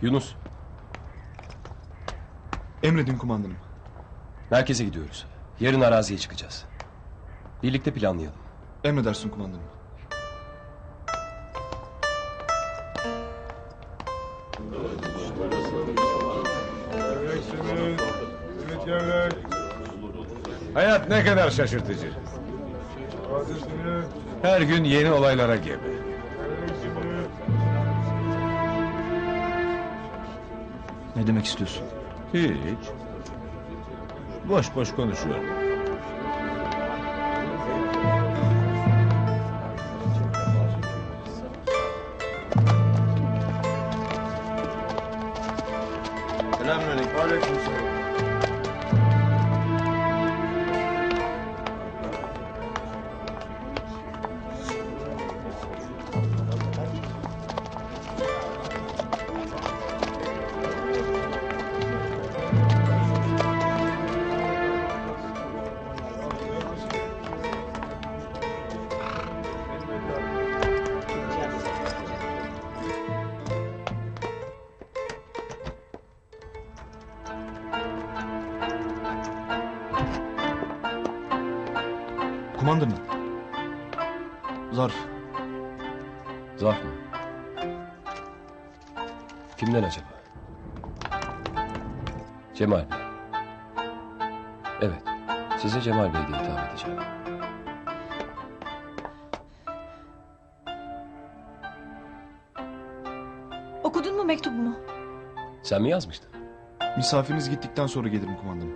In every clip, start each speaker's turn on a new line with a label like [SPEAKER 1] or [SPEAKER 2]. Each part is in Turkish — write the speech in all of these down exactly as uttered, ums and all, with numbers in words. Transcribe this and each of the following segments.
[SPEAKER 1] Yunus.
[SPEAKER 2] Emredin kumandanım.
[SPEAKER 1] Merkeze gidiyoruz. Yarın araziye çıkacağız. Birlikte planlayalım.
[SPEAKER 2] Emredersin kumandanım.
[SPEAKER 3] Hayat ne kadar şaşırtıcı. Her gün yeni olaylara gebe.
[SPEAKER 2] Ne demek istiyorsun?
[SPEAKER 3] Hiç. Boş boş konuşuyorum.
[SPEAKER 2] Selamünaleyküm. Aleykümselam. Kumandanım. Zarf.
[SPEAKER 1] Zarf mı? Kimden acaba? Cemal Bey. Evet. Size Cemal Bey diye hitap edeceğim.
[SPEAKER 4] Okudun mu mektubumu?
[SPEAKER 1] Sen mi yazmıştın?
[SPEAKER 2] Misafiriniz gittikten sonra gelirim kumandanım.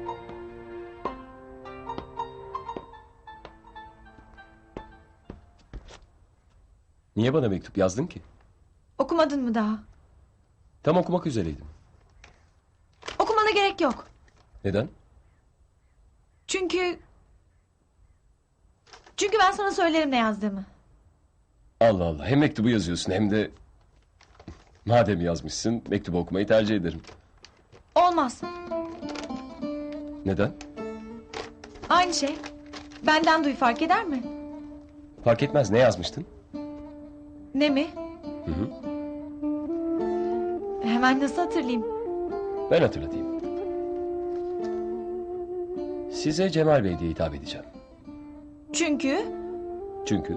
[SPEAKER 1] Niye bana mektup yazdın ki?
[SPEAKER 4] Okumadın mı daha?
[SPEAKER 1] Tam okumak üzereydim.
[SPEAKER 4] Okumana gerek yok.
[SPEAKER 1] Neden?
[SPEAKER 4] Çünkü... Çünkü ben sana söylerim ne yazdığımı.
[SPEAKER 1] Allah Allah. Hem mektubu yazıyorsun hem de... Madem yazmışsın mektubu okumayı tercih ederim.
[SPEAKER 4] Olmaz.
[SPEAKER 1] Neden?
[SPEAKER 4] Aynı şey. Benden duy, fark eder mi?
[SPEAKER 1] Fark etmez. Ne yazmıştın?
[SPEAKER 4] Ne mi?
[SPEAKER 1] Hı hı.
[SPEAKER 4] Hemen nasıl hatırlayayım?
[SPEAKER 1] Ben hatırlatayım. Size Cemal Bey diye hitap edeceğim.
[SPEAKER 4] Çünkü...
[SPEAKER 1] Çünkü...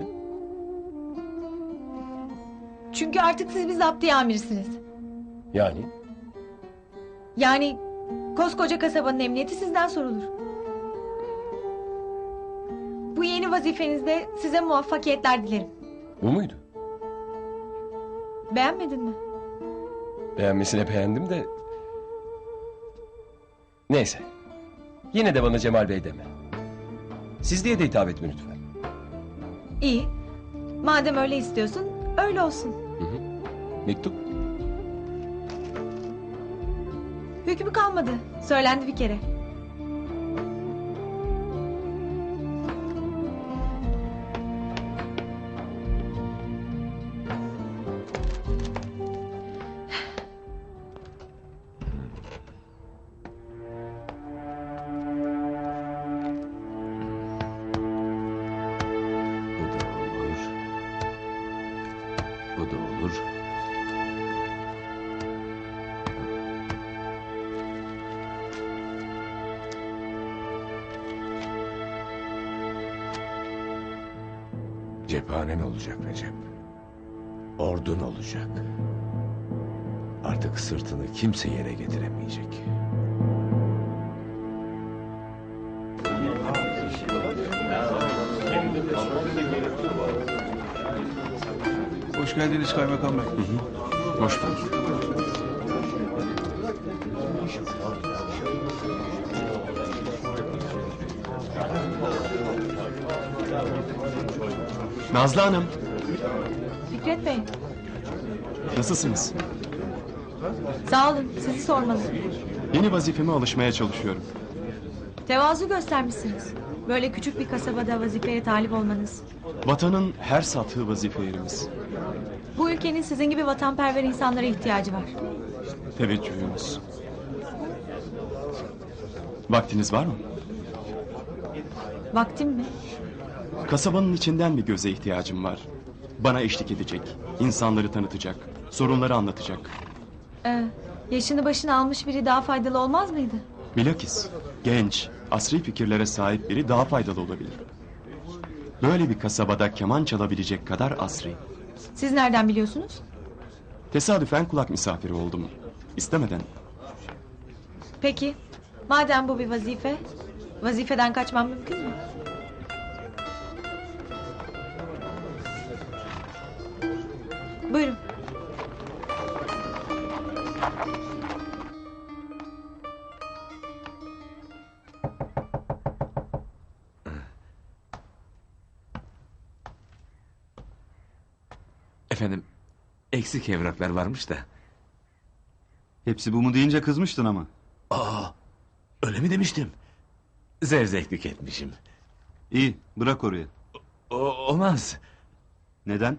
[SPEAKER 4] Çünkü artık siz bir zaptiye amirsiniz.
[SPEAKER 1] Yani...
[SPEAKER 4] Yani koskoca kasabanın emniyeti sizden sorulur. Bu yeni vazifenizde size muvaffakiyetler dilerim.
[SPEAKER 1] Bu muydu?
[SPEAKER 4] Beğenmedin mi?
[SPEAKER 1] Beğenmesine beğendim de... Neyse. Yine de bana Cemal Bey deme. Siz diye de hitap etme lütfen.
[SPEAKER 4] İyi. Madem öyle istiyorsun, öyle olsun.
[SPEAKER 1] Hı hı. Mektup?
[SPEAKER 4] Hükmü kalmadı. Söylendi bir kere.
[SPEAKER 3] Bu da olur. Bu da olur. Cephanen olacak Recep. Ordun olacak. Artık sırtını kimse yere getiremeyecek.
[SPEAKER 2] Hoş geldiniz kaymakam bey.
[SPEAKER 1] Hoş bulduk.
[SPEAKER 2] Nazlı Hanım.
[SPEAKER 4] Fikret Bey,
[SPEAKER 2] Nasılsınız?
[SPEAKER 4] sağ olun. Sizi sormalı.
[SPEAKER 2] Yeni vazifeme alışmaya çalışıyorum.
[SPEAKER 4] Tevazu göstermişsiniz. Böyle küçük bir kasabada vazifeye talip olmanız.
[SPEAKER 2] Vatanın her sattığı vazife yerimiz.
[SPEAKER 4] Bu ülkenin sizin gibi vatanperver insanlara ihtiyacı var.
[SPEAKER 2] Teveccühünüz. Vaktiniz var mı?
[SPEAKER 4] Vaktim mi?
[SPEAKER 2] Kasabanın içinden bir göze ihtiyacım var. Bana eşlik edecek, insanları tanıtacak, sorunları anlatacak.
[SPEAKER 4] Ee, yaşını başını almış biri daha faydalı olmaz mıydı?
[SPEAKER 2] Bilakis genç, asri fikirlere sahip biri daha faydalı olabilir. Böyle bir kasabada keman çalabilecek kadar asri.
[SPEAKER 4] Siz nereden biliyorsunuz?
[SPEAKER 2] Tesadüfen kulak misafiri oldum. İstemeden.
[SPEAKER 4] Peki, madem bu bir vazife, vazifeden kaçmam mümkün mü? Buyurun.
[SPEAKER 3] Efendim, eksik evraklar varmış da.
[SPEAKER 5] Hepsi bu mu deyince kızmıştın ama.
[SPEAKER 3] Aa, öyle mi demiştim? Zevzeklik etmişim.
[SPEAKER 5] İyi, bırak oraya.
[SPEAKER 3] O, olmaz.
[SPEAKER 5] Neden?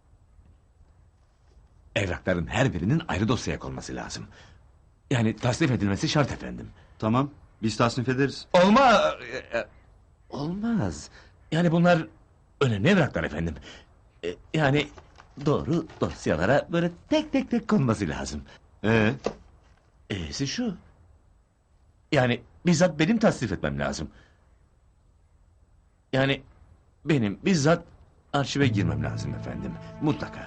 [SPEAKER 3] Evrakların her birinin ayrı dosyaya konması lazım. Yani tasnif edilmesi şart efendim.
[SPEAKER 5] Tamam, biz tasnif ederiz.
[SPEAKER 3] Olmaz. Olmaz. Yani bunlar önemli evraklar efendim. E, Yani doğru dosyalara böyle tek tek tek konması lazım.
[SPEAKER 5] Ee,
[SPEAKER 3] E'si şu. Yani bizzat benim tasnif etmem lazım. Yani benim bizzat arşive girmem lazım efendim. Mutlaka.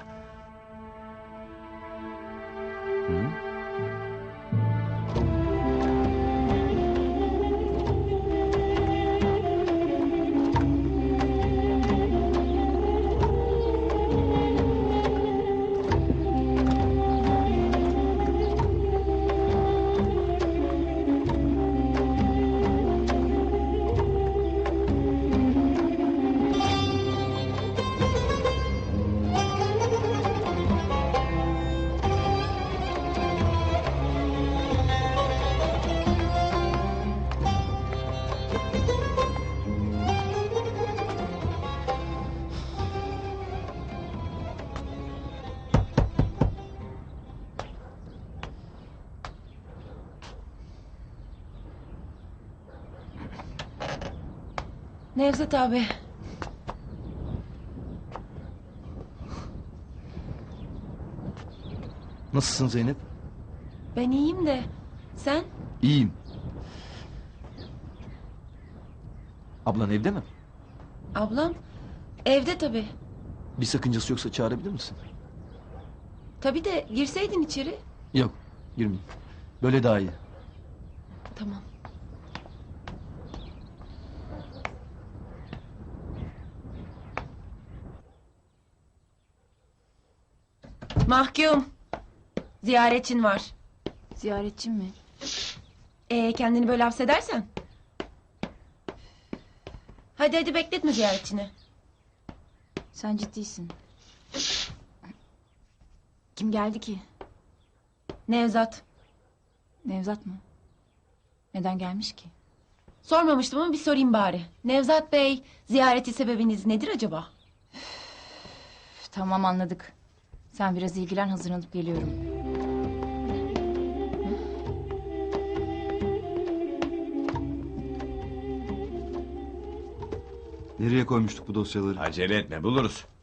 [SPEAKER 3] Hı?
[SPEAKER 6] Nevzat abi.
[SPEAKER 5] nasılsın Zeynep?
[SPEAKER 6] Ben iyiyim de sen?
[SPEAKER 5] İyiyim. Ablan evde mi?
[SPEAKER 6] Ablam evde tabii.
[SPEAKER 5] Bir sakıncası yoksa çağırabilir misin?
[SPEAKER 6] Tabii de girseydin içeri.
[SPEAKER 5] Yok, girmeyeyim. Böyle daha iyi.
[SPEAKER 6] Tamam. Mahkum. Ziyaretçin var.
[SPEAKER 7] Ziyaretçim mi?
[SPEAKER 6] Ee, kendini böyle hapsedersen. Hadi hadi bekletme ziyaretçini.
[SPEAKER 7] Sen ciddisin. Kim geldi ki?
[SPEAKER 6] Nevzat.
[SPEAKER 7] Nevzat mı? Neden gelmiş ki?
[SPEAKER 6] Sormamıştım ama bir sorayım bari. Nevzat Bey, ziyareti sebebiniz nedir acaba?
[SPEAKER 7] Üf, tamam anladık. Sen biraz ilgilen, hazırlanıp geliyorum.
[SPEAKER 5] Nereye koymuştuk bu dosyaları?
[SPEAKER 3] Acele etme buluruz.